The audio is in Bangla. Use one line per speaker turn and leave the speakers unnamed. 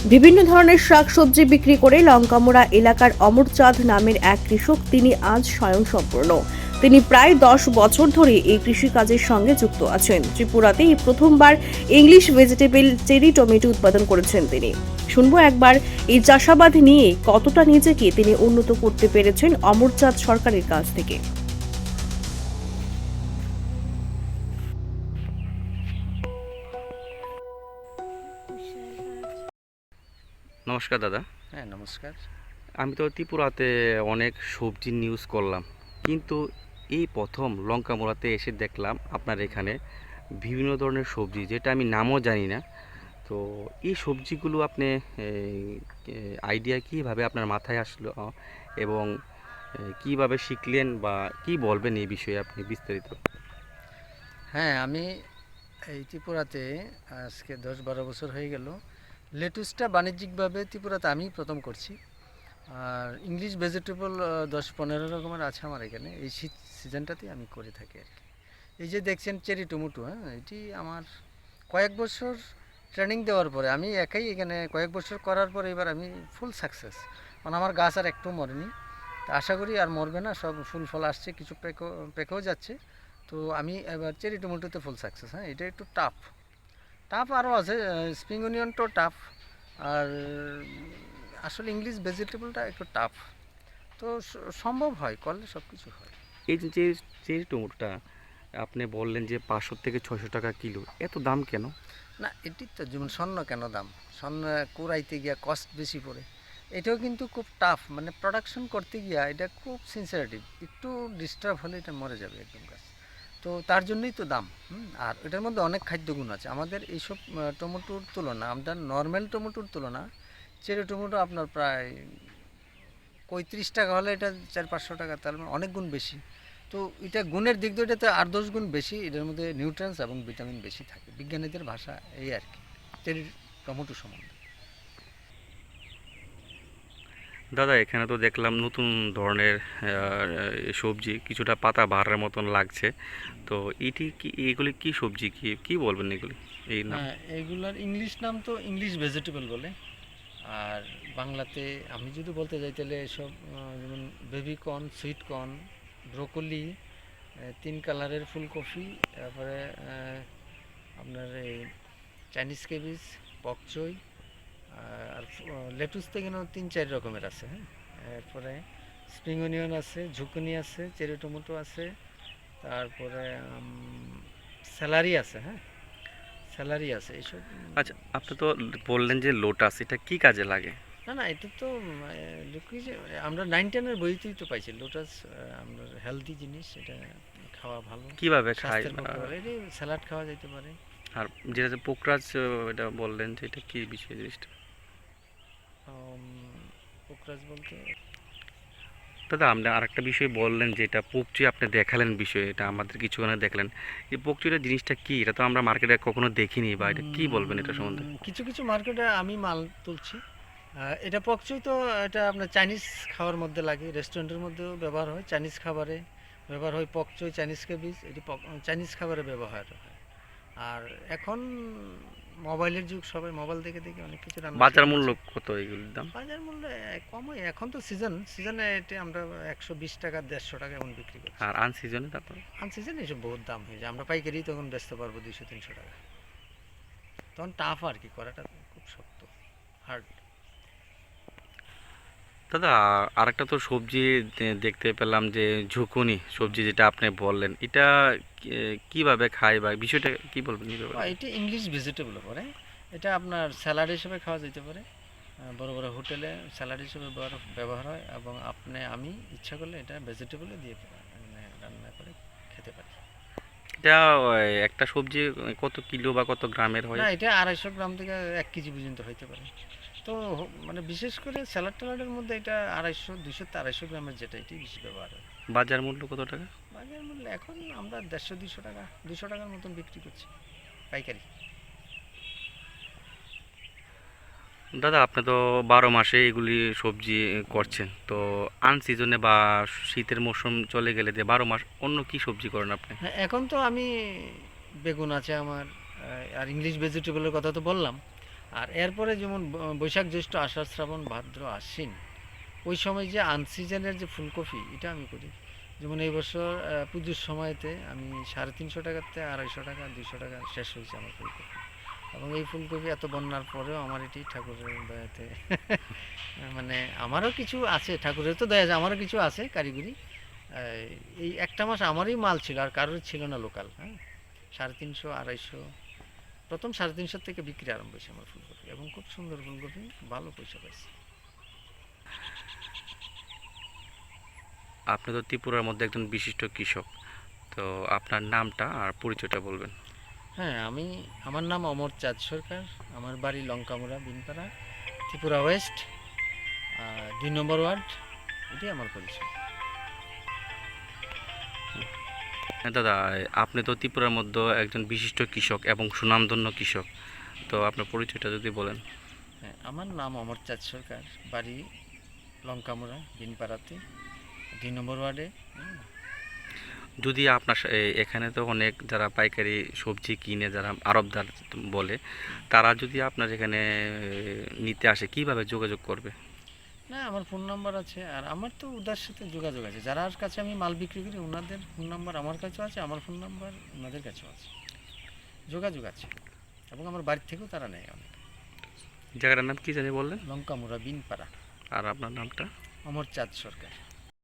বিভিন্ন ধরনের শাকসবজি বিক্রি করে লঙ্কামোড়া এলাকার অমরচাঁদ নামের এক কৃষক তিনি আজ স্বয়ংসম্পূর্ণ। তিনি প্রায় 10 বছর ধরে এই কৃষিকাজের সঙ্গে যুক্ত আছেন। ত্রিপুরাতে এই প্রথমবার ইংলিশ ভেজিটেবল চেরি টমেটো উৎপাদন করেছেন তিনি। শুনবো একবার এই চাষাবাদ নিয়ে কতটা নিজেকে তিনি উন্নত করতে পেরেছেন অমরচাঁদ সরকারের কাছ থেকে।
নমস্কার দাদা।
হ্যাঁ, নমস্কার।
আমি তো ত্রিপুরাতে অনেক সবজির নিউজ করলাম, কিন্তু এই প্রথম লঙ্কামোড়াতে এসে দেখলাম আপনার এখানে বিভিন্ন ধরনের সবজি, যেটা আমি নামও জানি না। তো এই সবজিগুলো আপনি আইডিয়া কীভাবে আপনার মাথায় আসলো, এবং কিভাবে শিখলেন বা কি বলবেন এই বিষয়ে আপনি বিস্তারিত?
হ্যাঁ, আমি এই ত্রিপুরাতে আজকে 10-12 বছর হয়ে গেল। লেটুসটা বাণিজ্যিকভাবে ত্রিপুরাতে আমি প্রথম করছি। আর ইংলিশ ভেজিটেবল 10-15 রকমের আছে আমার এখানে। এই শীত সিজনটাতেই আমি করে থাকি আর কি। এই যে দেখছেন চেরি টমেটো, হ্যাঁ, এটি আমার কয়েক বছর ট্রেনিং দেওয়ার পরে আমি একাই এখানে কয়েক বছর করার পরে এবার আমি ফুল সাকসেস। কারণ আমার গাছ আর একটু মরেনি, তা আশা করি আর মরবে না, সব ফুল ফল আসছে, কিছু পেকেও যাচ্ছে। তো আমি এবার চেরি টমেটোতে ফুল সাকসেস। হ্যাঁ, এটা একটু টাফ টাফ আরও আছে, স্প্রিং অনিয়নটাও টাফ। আর আসলে ইংলিশ ভেজিটেবলটা একটু টাফ। তো সম্ভব হয়, করলে সব কিছু হয়।
এই যে চেরি টমেটোটা আপনি বললেন যে 500 থেকে 600 টাকা কিলো, এত দাম কেন?
না, এটি তো যেমন স্বর্ণ কেন দাম, স্বর্ণ কুড়াইতে গিয়া কস্ট বেশি পড়ে। এটাও কিন্তু খুব টাফ, মানে প্রোডাকশন করতে গিয়া এটা খুব সিনসিয়ারিটি, একটু ডিস্টার্ব হলে এটা মরে যাবে একদম গাছ। তো তার জন্যই তো দাম। আর এটার মধ্যে অনেক খাদ্যগুণ আছে। আমাদের এইসব টমেটোর তুলনা, আমাদের নর্মাল টমেটোর তুলনা চেরি টমেটো আপনার প্রায় 35 টাকা হলে এটা 400-500 টাকা, তার মানে অনেক গুণ বেশি। তো এটা গুণের দিক দিয়ে এটাতে 8-10 গুণ বেশি, এটার মধ্যে নিউট্রিয়েন্টস এবং ভিটামিন বেশি থাকে, বিজ্ঞানীদের ভাষা এই আর কি চেরি টমেটো সম্বন্ধে।
দাদা, এখানে তো দেখলাম নতুন ধরনের সবজি, কিছুটা পাতা বাহারের মতন লাগছে। তো এগুলি কি সবজি, কি কি বলবেন এগুলি, এই নাম?
হ্যাঁ, এইগুলার ইংলিশ নাম তো ইংলিশ ভেজিটেবল বলে। আর বাংলাতে আমি যদি বলতে যাই তাহলে এসব যেমন baby corn, sweet corn, broccoli, 3 কালারের ফুলকপি, তারপরে আপনার এই চাইনিজ কেবিজ, পকচই, আর লেটুস তো এখানে 3-4 রকমের আছে। হ্যাঁ, এরপরে স্প্রিং অনিয়ন আছে, ঝুকুনি আছে, চেরি টমেটো আছে, তারপরে স্যালারি আছে। হ্যাঁ, স্যালারি আছে এইসব।
আচ্ছা, আপনি তো বললেন যে লোটাস, এটা কি কাজে লাগে?
না না, এটা তো দেখি যে আমরা 9-10-এর বইতেই তো পাইছি লোটাস। আমরা হেলদি জিনিস, এটা খাওয়া ভালো,
কিভাবে খায়?
স্বাস্থ্যের পক্ষে ভালো। এটা স্যালাড খাওয়া যেতে পারে।
আর যেটা যে পোকরাজ, এটা বললেন যে এটা কি বিষয় জিনিসটা?
পোকরাজ বলতে
দাদা, আপনি আরেকটা বিষয় বললেন যে এটা পকচি, আপনি দেখালেন বিষয়, এটা আমাদের কিছুক্ষণ আগে দেখালেন। এই পকচিটা জিনিসটা কি? এটা তো আমরা মার্কেটে কখনো দেখিনি, বা এটা কি বলবেন এটা সম্বন্ধে?
কিছু কিছু মার্কেটে আমি মাল তুলছি। এটা পকচই তো, এটা আপনার চাইনিজ খাওয়ার মধ্যে লাগে, রেস্টুরেন্টের মধ্যেও ব্যবহার হয়, চাইনিজ খাবারে ব্যবহার হয় পকচই, চাইনিজ কেবিজ, এটি চাইনিজ খাবারে ব্যবহার হয়। আর এখন মোবাইলের যুগ, সবাই মোবাইল দেখে দেখে অনেক কিছু রান্না
বাজার
শিখে
মূল্য
গেছে।
কত এগুলির দাম?
বাজার মূল্য কমই, এখন তো সিজনে এটা আমরা 120 টাকা 150 টাকা এমন বিক্রি করছি।
আর আনসিজনে তারপর?
আনসিজনে এসব বহুত দাম হয়ে যায়, আমরা পাইকারি তখন বেচতে পারবো 200-300 টাকা। তখন টাফ আর কি, করাটা খুব শক্ত, হার্ড।
দাদা, আরেকটা তো সবজি দেখতে পেলাম যে ঝুকুনি সবজি, যেটা আপনি বললেন, এটা কিভাবে খায় বা বিষয়টা কি বলবেন এই ব্যাপারে?
এটা ইংলিশ ভেজিটেবল পরে, এটা আপনার স্যালাড হিসেবে খাওয়া যেতে পারে। বড় বড় হোটেলে স্যালাড হিসেবে ব্যবহার হয়, এবং আমি ইচ্ছা করলে এটা ভেজিটেবলে দিয়ে মানে রান্না করে খেতে পারি।
এটা একটা সবজি কত কিলো বা কত গ্রামের হয়?
না, এটা 250 গ্রাম থেকে 1 কেজি পর্যন্ত হইতে পারে। তো মানে বিশেষ করে স্যালাড ট্যালাডের মধ্যে এটা 200 গ্রামের যেটা, এটাই বেশি ব্যবহার হয়।
বাজার মূল্য কত টাকা?
বাজার মূল্য এখন আমরা 150-200 টাকা, 200 টাকার মতন বিক্রি করছি পাইকারি।
দাদা, আপনি তো 12 মাসে এগুলি সবজি করছেন, তো আনসিজনে বা শীতের মৌসুম চলে গেলে যে 12 মাস অন্য কি সবজি করেন আপনি?
হ্যাঁ, এখন তো আমি বেগুন আছে আমার, আর ইংলিশ ভেজিটেবলের কথা তো বললাম। আর এরপরে যেমন বৈশাখ জ্যৈষ্ঠ আষাঢ় শ্রাবণ ভাদ্র আশ্বিন, ওই সময় যে আনসিজনের যে ফুলকপি এটা আমি করি। যেমন এই বছর পুজোর সময়তে আমি 350 টাকাতে 250 টাকা 200 টাকা শেষ হয়েছে আমার ফুলকপি। এবং এই ফুলকপি এত বন্যার পরেও আমার এটি ঠাকুরের দয়াতে মানে আমারও কিছু আছে, ঠাকুরের তো দয়া আছে, আমারও কিছু আছে কারিগরি। এই একটা মাস আমারই মাল ছিল, আর কারোর ছিল না লোকাল। হ্যাঁ, 350 250, প্রথম 350 থেকে বিক্রি আরম্ভ হয়েছে আমার ফুলকপি, এবং খুব সুন্দর ফুলকপি, ভালো পয়সা পাইছি।
আপনি তো ত্রিপুরার মধ্যে একজন বিশিষ্ট কৃষক, তো আপনার নামটা আর পরিচয়টা বলবেন।
হ্যাঁ, আমার নাম অমর চাঁদ সরকার, আমার বাড়ি লঙ্কামুড়া বিনপাড়া, ত্রিপুরা ওয়েস্ট, 2 নম্বর ওয়ার্ড, এটাই আমার পরিচয়।
হ্যাঁ দাদা, আপনি তো ত্রিপুরার মধ্যে একজন বিশিষ্ট কৃষক এবং সুনামধন্য কৃষক, তো আপনার পরিচয়টা যদি বলেন।
হ্যাঁ, আমার নাম অমর চাঁদ সরকার, বাড়ি লঙ্কামুড়া বিনপাড়াতে, 2 নম্বর ওয়ার্ডে।
যদি আপনার এখানে তো অনেক যারা পাইকারি সবজি কিনে, যারা আড়তদার বলে, তারা যদি আপনার এখানে নিতে আসে কিভাবে যোগাযোগ করবে?
না, আমার ফোন নাম্বার আছে, আর আমার তো ওদের সাথে যোগাযোগ আছে, যার কাছে আমি মাল বিক্রি করি ওনাদের ফোন নাম্বার আমার কাছেও আছে, আমার ফোন নাম্বার ওনাদের কাছেও আছে, যোগাযোগ আছে। এবং আমার বাড়ির থেকেও তারা নেয় অনেক।
জায়গাটার নাম কি জানি বললেন?
লঙ্কামুড়া বিনপাড়া।
আর আপনার নামটা?
অমর চাঁদ সরকার।